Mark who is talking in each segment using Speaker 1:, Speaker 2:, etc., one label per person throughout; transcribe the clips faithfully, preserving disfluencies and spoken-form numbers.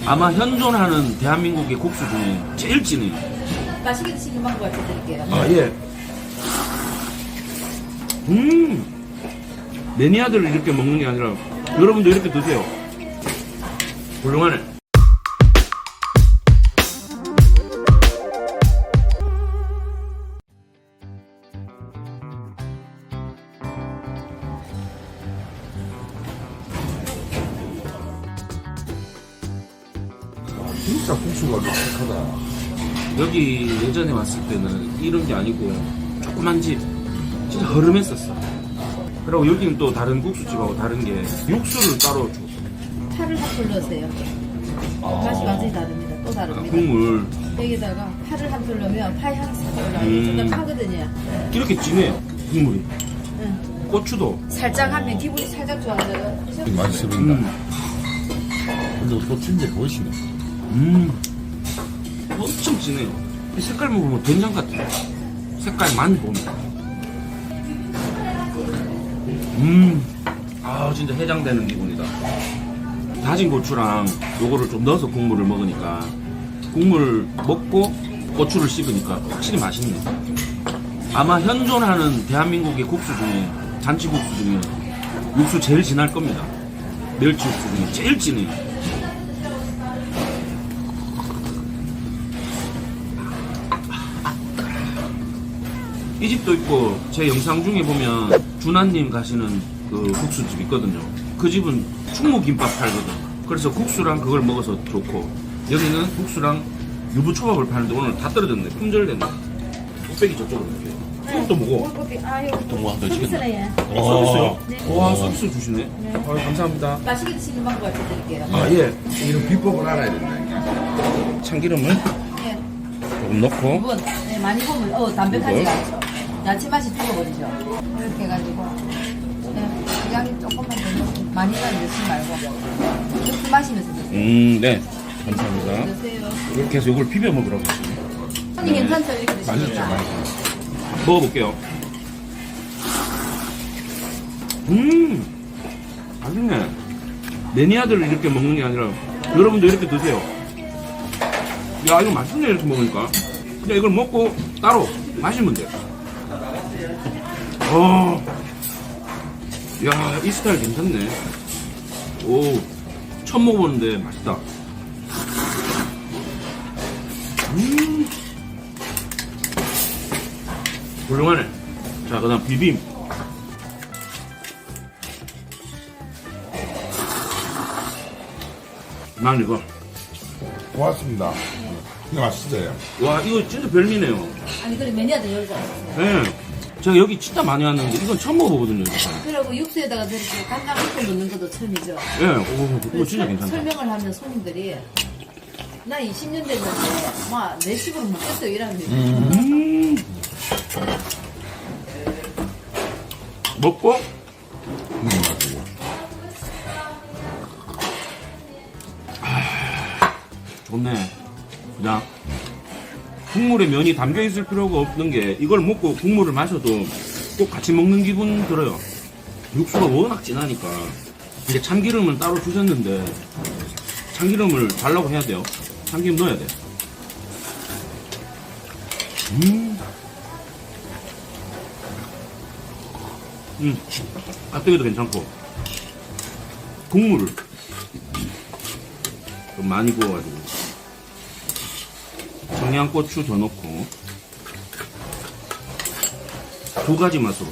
Speaker 1: 아마 현존하는 대한민국의 국수 중에 제일 진해요.
Speaker 2: 맛있게 드시는 방법 알려드릴게요.
Speaker 1: 아, 예. 음! 매니아들을 이렇게 먹는 게 아니라 여러분도 이렇게 드세요. 훌륭하네.
Speaker 3: 진짜 국수가 독특하다.
Speaker 1: 여기 예전에 왔을 때는 이런 게 아니고 조그만 집 진짜 허름했었어. 그리고 여기는 또 다른 국수집하고 다른 게 육수를 따로 줘.
Speaker 2: 파를 한 풀 넣으세요. 맛이 완전히 다릅니다. 또
Speaker 1: 아,
Speaker 2: 다릅니다.
Speaker 1: 국물
Speaker 2: 여기다가 파를 한 풀 넣으면 파 향이 싹 올라와요.
Speaker 1: 음.
Speaker 2: 진짜 파거든요.
Speaker 1: 이렇게 진해요. 국물이.
Speaker 2: 응.
Speaker 1: 고추도.
Speaker 2: 살짝 하면 기분이 살짝 좋아져요.
Speaker 3: 맛있어 보인다.
Speaker 1: 음.
Speaker 3: 근데 또 진짜 보이시네.
Speaker 1: 음. 엄청 진해요. 이 색깔 먹으면 된장 같아요. 색깔만 보면. 음. 아, 진짜 해장되는 기분이다. 다진 고추랑 요거를 좀 넣어서 국물을 먹으니까 국물을 먹고 고추를 씹으니까 확실히 맛있네. 아마 현존하는 대한민국의 국수 중에 잔치국수 중에 육수 제일 진할 겁니다. 멸치 육수 중에 제일 진해요. 이 집도 있고 제 영상 중에 보면 준하님 가시는 그 국수집 있거든요. 그 집은 충무김밥 팔거든. 그래서 국수랑 그걸 먹어서 좋고, 여기는 국수랑 유부초밥을 파는데 오늘 다 떨어졌네. 품절됐네. 뚝배기 저쪽으로 넣을게요. 이것도 먹어.
Speaker 2: 아유,
Speaker 3: 동무한 더
Speaker 2: 서비스네요.
Speaker 1: 서비스요?
Speaker 2: 네.
Speaker 1: 와, 서비스 주시네. 아, 감사합니다.
Speaker 2: 맛있게 드시는 방법 알려드릴게요.
Speaker 1: 아, 예.
Speaker 3: 이런 비법을 알아야 된다.
Speaker 1: 참기름을
Speaker 2: 네.
Speaker 1: 조금 넣고.
Speaker 2: 두 번, 네, 많이 보면 어 담백하지
Speaker 1: 이걸?
Speaker 2: 않죠. 야채 맛이 죽어버리죠. 이렇게 해가지고 네, 양이 조금만 더 넣고 많이 넣지 말고 이렇게 마시면서 드세요.
Speaker 1: 음, 네. 감사합니다.
Speaker 2: 드세요.
Speaker 1: 이렇게 해서 이걸 비벼 먹으라고 했어요.
Speaker 2: 손이 괜찮죠? 이렇게
Speaker 3: 맛있죠,
Speaker 2: 드시니까.
Speaker 3: 맛있죠.
Speaker 1: 먹어볼게요. 음, 맛있네. 매니아들을 이렇게 먹는 게 아니라 여러분도 이렇게 드세요. 야, 이거 맛있네, 이렇게 먹으니까. 그냥 이걸 먹고 따로 마시면 돼. 어, 야, 이 스타일 괜찮네. 오, 처음 먹어보는데 맛있다. 음, 훌륭하네. 자, 그 다음 비빔. 난 이거.
Speaker 3: 고맙습니다. 근데 맛있어요.
Speaker 1: 와, 이거 진짜 별미네요.
Speaker 2: 아니 그래 매니아들 여기 잘하셨어요.
Speaker 1: 예. 제가 여기 진짜 많이 왔는데 이건 처음 먹어보거든요. 이거.
Speaker 2: 그리고 육수에다가 저렇게 간장 한푼 넣는 것도 처음이죠.
Speaker 1: 예, 오, 이거 진짜
Speaker 2: 설-
Speaker 1: 괜찮다.
Speaker 2: 설명을 하면 손님들이 나 이십 년 됐는데 막내 식으로 먹겠어요 이러는 거예요.
Speaker 1: 음. 먹고,
Speaker 3: 음, 맛있고.
Speaker 1: 좋네. 그냥 국물에 면이 담겨 있을 필요가 없는 게 이걸 먹고 국물을 마셔도 꼭 같이 먹는 기분 들어요. 육수가 워낙 진하니까. 이제 참기름은 따로 주셨는데 참기름을 달라고 해야 돼요. 참기름 넣어야 돼. 음. 음. 가뜩이도 괜찮고. 국물을 좀 많이 부어가지고. 청양고추 더 넣고. 두 가지 맛으로.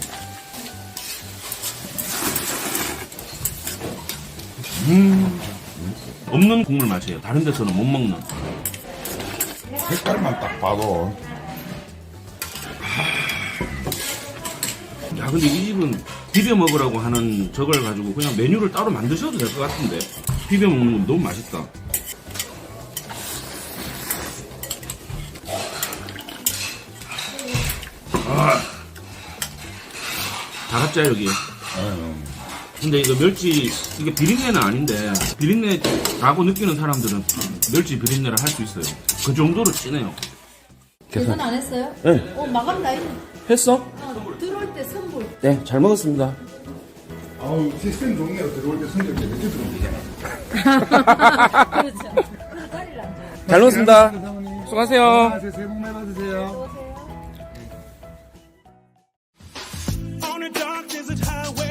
Speaker 1: 음. 없는 국물 맛이에요. 다른 데서는 못 먹는.
Speaker 3: 색깔만 딱 봐도.
Speaker 1: 야, 근데 이 집은 비벼 먹으라고 하는 저걸 가지고 그냥 메뉴를 따로 만드셔도 될 것 같은데. 비벼 먹는 건 너무 맛있다. 아. 다 같자, 여기.
Speaker 3: 아유,
Speaker 1: 근데 이거 멸치, 이게 비린내는 아닌데, 비린내 라고 느끼는 사람들은 멸치 비린내를 할 수 있어요. 그 정도로 진해요.
Speaker 2: 계산 안 했어요?
Speaker 1: 네.
Speaker 2: 어 마감 나 있네.
Speaker 1: 했어?
Speaker 2: 어, 들어올 때 선불.
Speaker 1: 네, 잘 먹었습니다.
Speaker 3: 아우 시스템 좋네요. 들어올 때 성적 몇개 들어오면 되잖아.
Speaker 2: 그렇죠. 다리를 안 줘요.
Speaker 1: 잘 먹었습니다.
Speaker 3: 사모님.
Speaker 1: 수고하세요.
Speaker 3: 새해 복 많이 받으세요.
Speaker 4: On a dark desert highway.